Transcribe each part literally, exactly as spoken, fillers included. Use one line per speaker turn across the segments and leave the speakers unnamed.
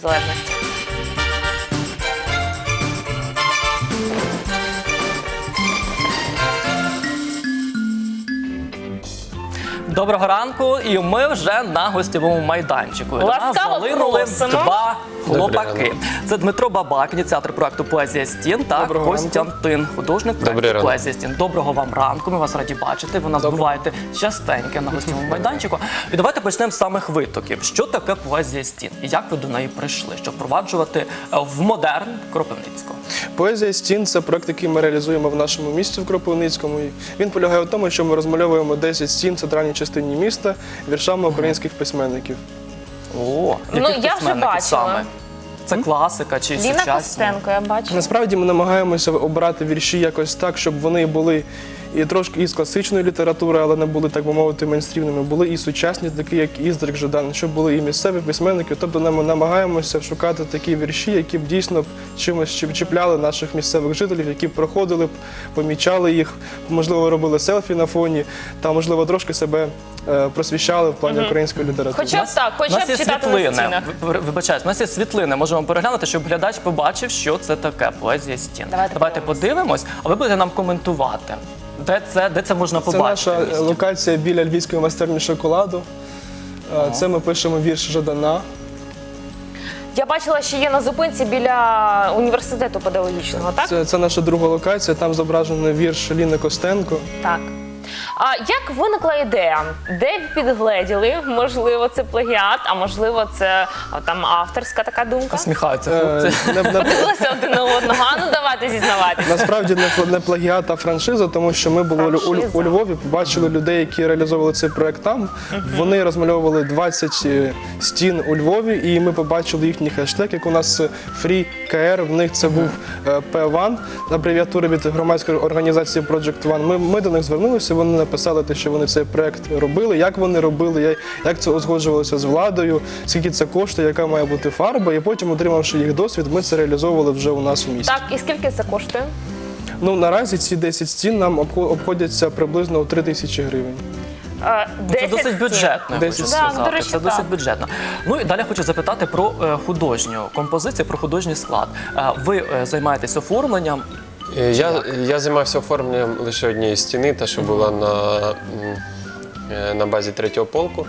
залежності.
Доброго ранку, і ми вже на гостєвому майданчику. До нас залинули два хлопаки. Це Дмитро Бабак, ініціатор проекту «Поезія стін», та Костянтин, художник проекту «Поезія стін». Доброго вам ранку, ми вас раді бачити. Ви нас буваєте частенько на гостєвому майданчику. І давайте почнемо з самих витоків. Що таке «Поезія стін» і як ви до неї прийшли, щоб впроваджувати в модерн Кропивницького?
«Поезія стін» – це проект, який ми реалізуємо в нашому місті, в Кропивницькому. Він полягає в тому, що ми розмальовуємо десять стін в центральній частині міста віршами українських письменників.
О,
ну, я вже бачила. Саме?
Це класика чи сучасні?
Ліна Костенко, я бачила.
Насправді ми намагаємося обрати вірші якось так, щоб вони були і трошки із класичної літератури, але не були, так би мовити, мейнстрімними. Були і сучасні, такі як Іздрик, Жадан, щоб були і місцеві письменники. Тобто ми намагаємося шукати такі вірші, які б дійсно чимось чіпляли наших місцевих жителів, які б проходили, помічали їх, можливо, робили селфі на фоні, та, можливо, трошки себе просвіщали в плані української літератури.
Хоча б так, хоча б читати на стінах.
Вибачаюсь, у нас є світлини, можемо переглянути, щоб глядач побачив, що це таке «Поезія стін».
Давайте,
Давайте подивимось, а ви будете нам коментувати. Де це, де це можна побачити?
Це наша локація біля Львівської майстерні шоколаду. Ага. Це ми пишемо вірш Жадана.
Я бачила, що є на зупинці біля університету педагогічного, так?
Це, це наша друга локація, там зображений вірш Ліни Костенко.
Так. А як виникла ідея? Де підгледіли? Можливо, це плагіат, а можливо, це а, там авторська така думка?
Сміхаються хлопці.
Подивилися один на одного, а ну давайте зізнаватися.
Насправді не, не плагіат, а франшиза, тому що ми були у, у Львові, побачили людей, які реалізовували цей проект там. Uh-huh. Вони розмальовували двадцять стін у Львові, і ми побачили їхній хештег, як у нас FreeKR, в них це uh-huh. був пі один, абревіатура від громадської організації Project One. Ми, ми до них звернулися, вони написали те, що вони цей проект робили, як вони робили, як це узгоджувалося з владою, скільки це коштує, яка має бути фарба, і потім, отримавши їх досвід, ми це реалізовували вже у нас у місті.
Так, і скільки це коштує?
Ну, наразі ці десять стін нам обходяться приблизно у три тисячі гривень.
Це досить бюджетно, я хочу сказати. Це досить бюджетно. Ну і далі хочу запитати про художню композицію, про художній склад. Ви займаєтесь оформленням?
Я, я займався оформленням лише однієї стіни, та що була на, на базі третього полку.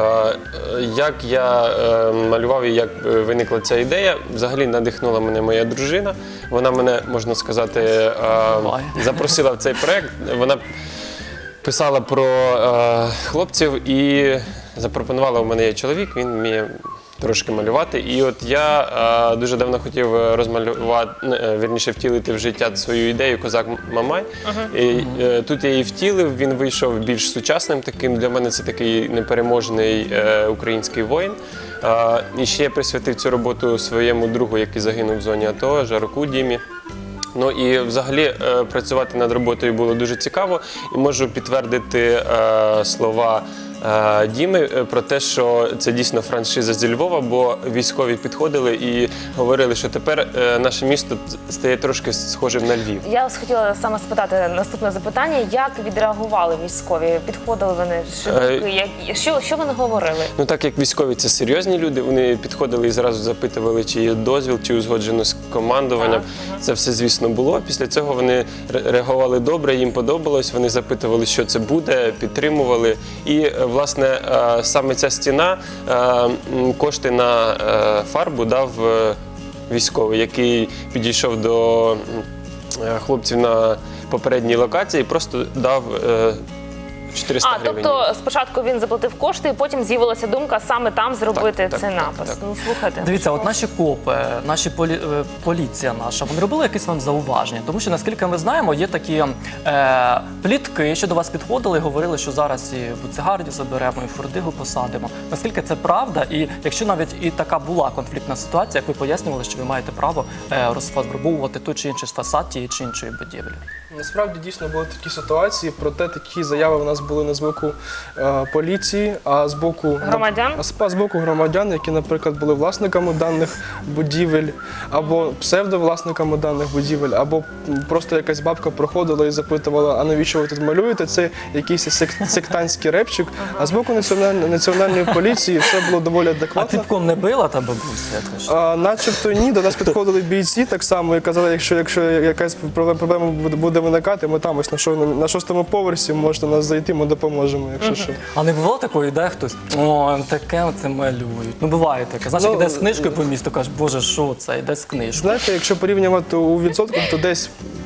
Як я малював і як виникла ця ідея, взагалі надихнула мене моя дружина. Вона мене, можна сказати, запросила в цей проєкт. Вона писала про хлопців і запропонувала, у мене є чоловік, він вміє трошки малювати. І от я а, дуже давно хотів розмалювати, вірніше втілити в життя свою ідею «Козак Мамай». Uh-huh. І е, тут я її втілив, він вийшов більш сучасним таким. Для мене це такий непереможний е, український воїн. А, і ще я присвятив цю роботу своєму другу, який загинув в зоні АТО, Жароку Дімі. Ну і взагалі е, працювати над роботою було дуже цікаво. І можу підтвердити е, слова Діми про те, що це дійсно франшиза зі Львова, бо військові підходили і говорили, що тепер наше місто стає трошки схожим на Львів.
Я вас хотіла саме спитати наступне запитання, як відреагували військові? Підходили вони? Що, що, що вони говорили?
Ну так як військові це серйозні люди, вони підходили і зразу запитували, чи є дозвіл, чи узгоджено з командуванням. Ага. Це все, звісно, було. Після цього вони реагували добре, їм подобалось, вони запитували, що це буде, підтримували. І власне, саме ця стіна, кошти на фарбу дав військовий, який підійшов до хлопців на попередній локації і просто дав чотириста гривень.
А, тобто спочатку він заплатив кошти, і потім з'явилася думка саме там зробити
так,
цей
так,
напис.
Так, так.
Ну, слухайте.
Дивіться, от наші копи, наші полі... поліція наша, вони робили якісь вам зауваження? Тому що, наскільки ми знаємо, є такі е... плітки, що до вас підходили і говорили, що зараз і Буцегарді заберемо, і Фордигу посадимо. Наскільки це правда? І якщо навіть і така була конфліктна ситуація, як ви пояснювали, що ви маєте право е... розфарбовувати той чи інший фасад тієї чи іншої будівлі?
Насправді дійсно були такі ситуації, проте такі заяви у нас були не з боку е, поліції, а з боку
Громадян?
а з, а з боку громадян, які, наприклад, були власниками даних будівель, або псевдовласниками даних будівель, або просто якась бабка проходила і запитувала, а навіщо ви тут малюєте? Це якийсь сек- сектантський репчик. А з боку національної, національної поліції все було доволі
А
адекватно.
ціпком не била та бабуся? якось?
А, начебто ні, до нас підходили бійці так само і казали, якщо, якщо якась проблема проблема буде- буде виникати, ми там ось на, шо- на шостому поверсі можете нас зайти, ми допоможемо, якщо що.
А не бувало такої, йде хтось, о, таке оце малюють. Ну буває таке. Знаєш,
Ну,
як іде з книжкою по місту, кажеш, боже, що це, йде з книжкою.
Знаєте, якщо порівнювати у відсотках, то десь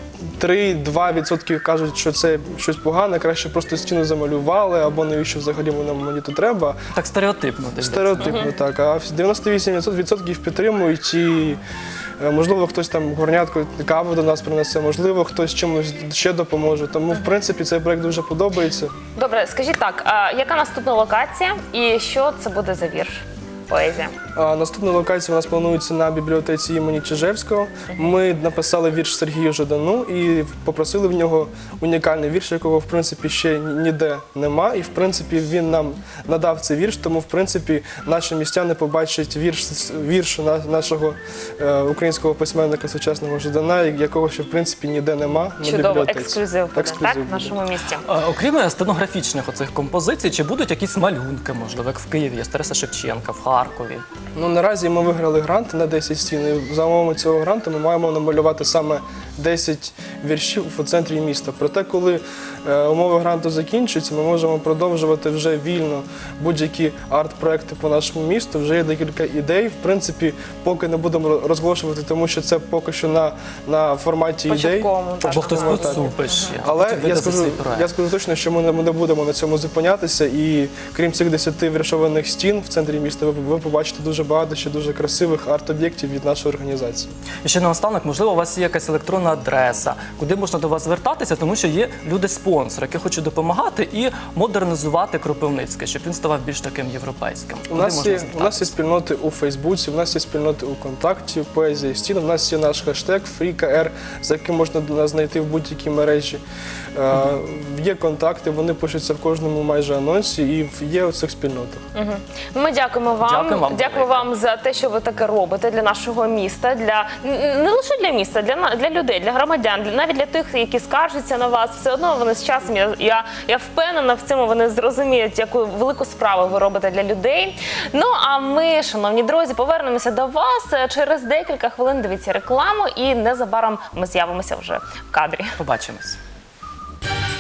три-два відсотки кажуть, що це щось погане, краще просто стіну замалювали, або навіщо взагалі воно мені тут треба.
Так стереотипно десь.
Стереотипно, так. А дев'яносто вісім відсотків підтримують і, е, можливо, хтось там горнятку кави до нас принесе, можливо, хтось чимось ще допоможе. Тому, в принципі, цей проект дуже подобається.
Добре, скажіть так, а яка наступна локація і що це буде за вірш? Поезія.
А наступна локація у нас планується на бібліотеці імені Чижевського. Ми написали вірш Сергію Жадану і попросили в нього унікальний вірш, якого в принципі ще ніде нема. І в принципі він нам надав цей вірш, тому в принципі наші містяни побачать вірш, вірш на- нашого е, українського письменника сучасного Жадана, якого ще в принципі ніде нема на
Чудово,
бібліотеці.
ексклюзив буде,
Ексклюзив
так, в
буде.
нашому місті.
А, окрім стенографічних оцих композицій, чи будуть якісь малюнки, можливо, як в Києві, є Тараса Шевченка, в Харкові?
Ну, наразі ми виграли грант на десять стін. І за умовами цього гранту ми маємо намалювати саме десять віршів у центрі міста. Проте, коли е, умови гранту закінчуються, ми можемо продовжувати вже вільно будь-які арт-проекти по нашому місту. Вже є декілька ідей. В принципі, поки не будемо розголошувати, тому що це поки що на, на форматі ідей.
Початковому, так.
Бо хтось
Тому так.
поцупить ще. а
Але
потім
я
видасть
скажу,
свій проект.
я скажу точно, що ми не, ми не будемо на цьому зупинятися. І крім цих десяти віршованих стін в центрі міста, ви, ви побачите дуже багато ще дуже красивих арт-об'єктів від нашої організації.
І ще наостанок, можливо, у вас є якась електронна адреса, куди можна до вас звертатися, тому що є люди-спонсори, які хочуть допомагати і модернізувати Кропивницький, щоб він ставав більш таким європейським.
У
Куди
нас,
можна
є, у нас є
звертатися?
спільноти у Фейсбуці, у нас є спільноти у Контакті, Поезія стін, у нас є наш хештег FreeKR, за яким можна нас знайти в будь-якій мережі. Е, є контакти, вони пишуться в кожному майже анонсі і в- є у цих спільнотах.
Ми дякуємо вам.
Дякую вам
Дякую
велике.
вам за те, що ви таке робите для нашого міста, для н- не лише для міста, для на- для людей, для громадян, для навіть для тих, які скаржаться на вас. Все одно вони з часом. Я я, я впевнена в цьому. Вони зрозуміють, яку велику справу ви робите для людей. Ну а ми, шановні друзі, повернемося до вас через декілька хвилин. Дивіться рекламу, і незабаром ми з'явимося вже в кадрі.
Побачимось.